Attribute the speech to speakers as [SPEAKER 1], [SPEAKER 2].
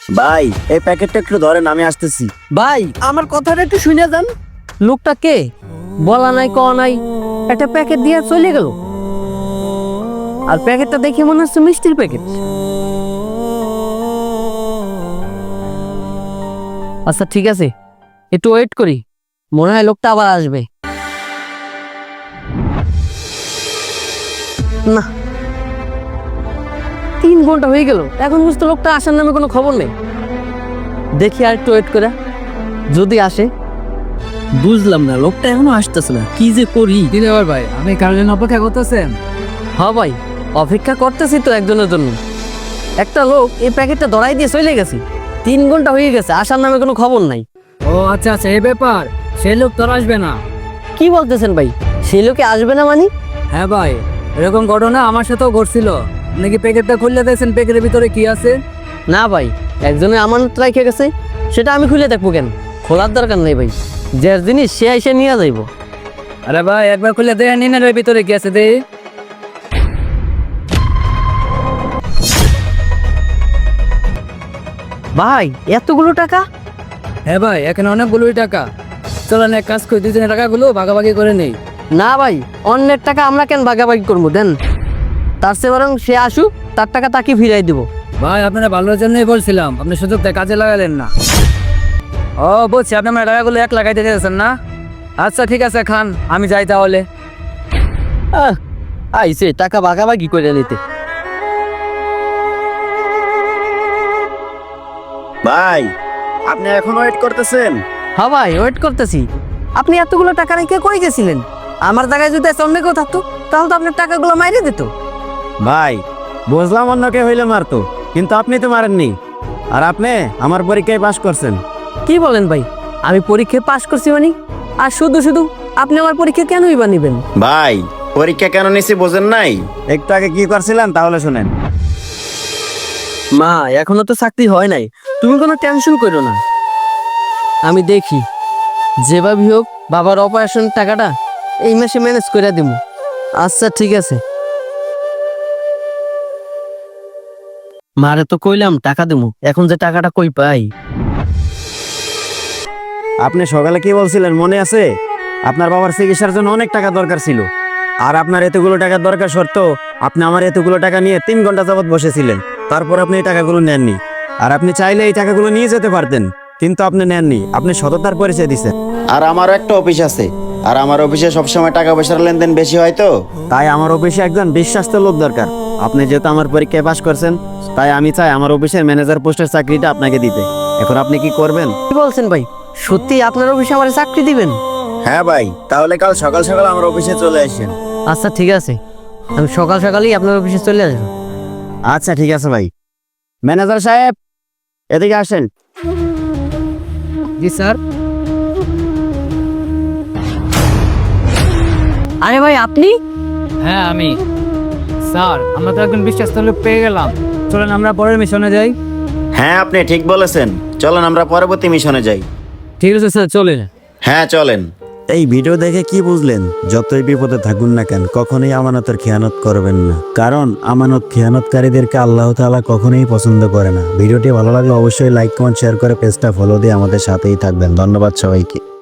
[SPEAKER 1] ভাই এই প্যাকেটটা একটু ধরেন, আমি আসতেছি।
[SPEAKER 2] ভাই আমার কথাটা একটু শুনে যান। লোকটা কে বলা নাই ক নাই, একটা প্যাকেট দিয়ে চলে গেল। আর প্যাকেটটা দেখে মনে হচ্ছে মিষ্টির প্যাকেট। আচ্ছা ঠিক আছে, একটু ওয়েট করি, মনে হয় লোকটা আবার আসবে। না, 3 ঘন্টা হয়ে গেল, এখন বুঝতে লোকটা আসার নামে কোনো খবর নেই। দেখি আর একটু ওয়েট করে, যদি আসে।
[SPEAKER 3] বুঝলাম না, লোকটা এখনো আসতেছে না, কি যে করি।
[SPEAKER 4] দিলেবার ভাই, আপনি কার জন্য অপেক্ষা করতেছেন?
[SPEAKER 2] হ্যাঁ ভাই, অপেক্ষা করতেছি তো একজনের জন্য। একটা লোক এই প্যাকেটটা ধরাই দিয়ে চলে গেছে, 3 ঘন্টা হয়ে গেছে, আসার নামে কোনো খবর নাই।
[SPEAKER 4] ও আচ্ছা আচ্ছা, এই ব্যাপার। সেই লোক তোর আসবে না?
[SPEAKER 2] কি বলতেছেন ভাই, সেই লোকে আসবে না মানে?
[SPEAKER 4] হ্যাঁ ভাই, এরকম ঘটনা আমার সাথেও ঘটছিল। নাকি প্যাকেটটা খুললে দেখছেন প্যাকেটের ভিতরে কি আছে?
[SPEAKER 2] না ভাই, একজনে আমানত রেখে গেছে, সেটা আমি খুলে দেখবো কেন? খোলার দরকার নেই ভাই, যে জিনিস সে এসে নিয়ে যাইব।
[SPEAKER 4] আরে ভাই, একবার খুলে দেখে নিন এর ভিতরে কি আছে দে।
[SPEAKER 2] ভাই এতগুলো টাকা?
[SPEAKER 4] হ্যাঁ ভাই, এখানে অনেকগুলোই টাকা। চলেন এক কাজ করি, দুজনের টাকাগুলো ভাগাভাগি করে নেই।
[SPEAKER 2] না ভাই, অন্যের টাকা আমরা কেন ভাগাভাগি করবো, দেন। তার চেয়ে বরং সে আসুক, তার টাকা তাকে ফিরাই দিব।
[SPEAKER 4] ভাই আপনারা ভালোর জন্যই বলছিলাম, আপনি সুযোগটা কাজে লাগালেন না। ও বলছি, আপনি আমার টাকাগুলো এক লাগাইতে চাইছেন না? আচ্ছা ঠিক আছে, খান, আমি যাই তাহলে।
[SPEAKER 2] আইসে টাকা ভাগাভাগি করে নিতে।
[SPEAKER 1] ভাই আপনি এখন ওয়েট করতেছেন?
[SPEAKER 2] হ্যাঁ ভাই, ওয়েট করতেছি। আপনি এতগুলো টাকা রেখে কই গেছিলেন? আমার জায়গায় যদি অন্য কেউ থাকতো, তাহলে তো আপনার টাকাগুলো মাইরে দিত।
[SPEAKER 1] ভাই বুঝলাম অন্য কে হইলে মারতো, কিন্তু আপনি তো মারেননি। আর আপনি আমার পরীক্ষায় পাশ করছেন।
[SPEAKER 2] কি বলেন ভাই, আমি পরীক্ষায় পাশ করছি মানে? আর শুধু শুধু আপনি আমার পরীক্ষা কেনই বা নিবেন?
[SPEAKER 1] ভাই পরীক্ষা কেন নিছি বোঝেন নাই? একটু আগে কি করছিলেন তাহলে শুনেন।
[SPEAKER 2] মা এখনো তো চাকরি হয় নাই, তুমি কোনো টেনশন করো না। আমি দেখি যেভাবে হোক বাবার অপারেশন টাকাটা এই মাসে ম্যানেজ করে দিব। আচ্ছা ঠিক আছে। মারে তো কইলাম টাকা দেবো, এখন যে টাকাটা কই পাই?
[SPEAKER 1] আপনি সকালে কি বলছিলেন মনে আছে? আপনার বাবার চিকিৎসার জন্য অনেক টাকা দরকার ছিল, আর আপনার এতগুলো টাকার দরকার সত্ত্বেও আপনি আমার এতগুলো টাকা নিয়ে 3 ঘন্টা যাবত বসেছিলেন। তারপর আপনি এই টাকাগুলো নেননি। আর আপনি চাইলে এই টাকাগুলো নিয়ে যেতে পারতেন, কিন্তু আপনি নেননি। আপনি সততার পরিচয় দিচ্ছেন। আর আমারও একটা অফিস আছে, আর আমার অফিসে সবসময় টাকা পয়সার লেনদেন বেশি হয়, তো তাই আমার অফিসে একজন বিশ্বাস্ত লোক দরকার। আপনি যেহেতু আমার পরীক্ষায় পাশ করছেন, তাই আমি চাই আমার অফিসের ম্যানেজার পোস্টের চাকরিটা আপনাকে দিতে। এখন আপনি কি করবেন?
[SPEAKER 2] কি বলছেন ভাই, সত্যি আপনার অফিসে আমার চাকরি দিবেন?
[SPEAKER 1] হ্যাঁ ভাই, তাহলে কাল সকাল সকাল আমার অফিসে চলে আসেন।
[SPEAKER 2] আচ্ছা ঠিক আছে, আমি সকাল সকালই আপনার অফিসে চলে আসবো।
[SPEAKER 1] আচ্ছা ঠিক আছে ভাই। ম্যানেজার সাহেব এদিকে আসেন।
[SPEAKER 4] জি স্যার।
[SPEAKER 2] আরে ভাই আপনি?
[SPEAKER 4] হ্যাঁ আমি। স্যার, আমরা তো একজন বিশ্বাস্ত লোক পেয়ে গেলাম, চলেন আমরা পরের মিশনে যাই।
[SPEAKER 1] হ্যাঁ আপনি ঠিক বলেছেন, চলেন আমরা পরবর্তী মিশনে যাই।
[SPEAKER 4] ঠিক আছে স্যার, চলেন।
[SPEAKER 1] হ্যাঁ চলেন। এই ভিডিও দেখে কি বুঝলেন? যতই বিপদে থাকুন না কেন, কখনোই আমানতের খেয়ানত করবেন না, কারণ আমানত খেয়ানতকারীদেরকে আল্লাহ তাআলা কখনোই পছন্দ করে না। ভিডিওটি ভালো লাগলে অবশ্যই লাইক কমেন্ট শেয়ার করে পেজটা ফলো দিয়ে আমাদের সাথেই থাকবেন। ধন্যবাদ সবাইকে।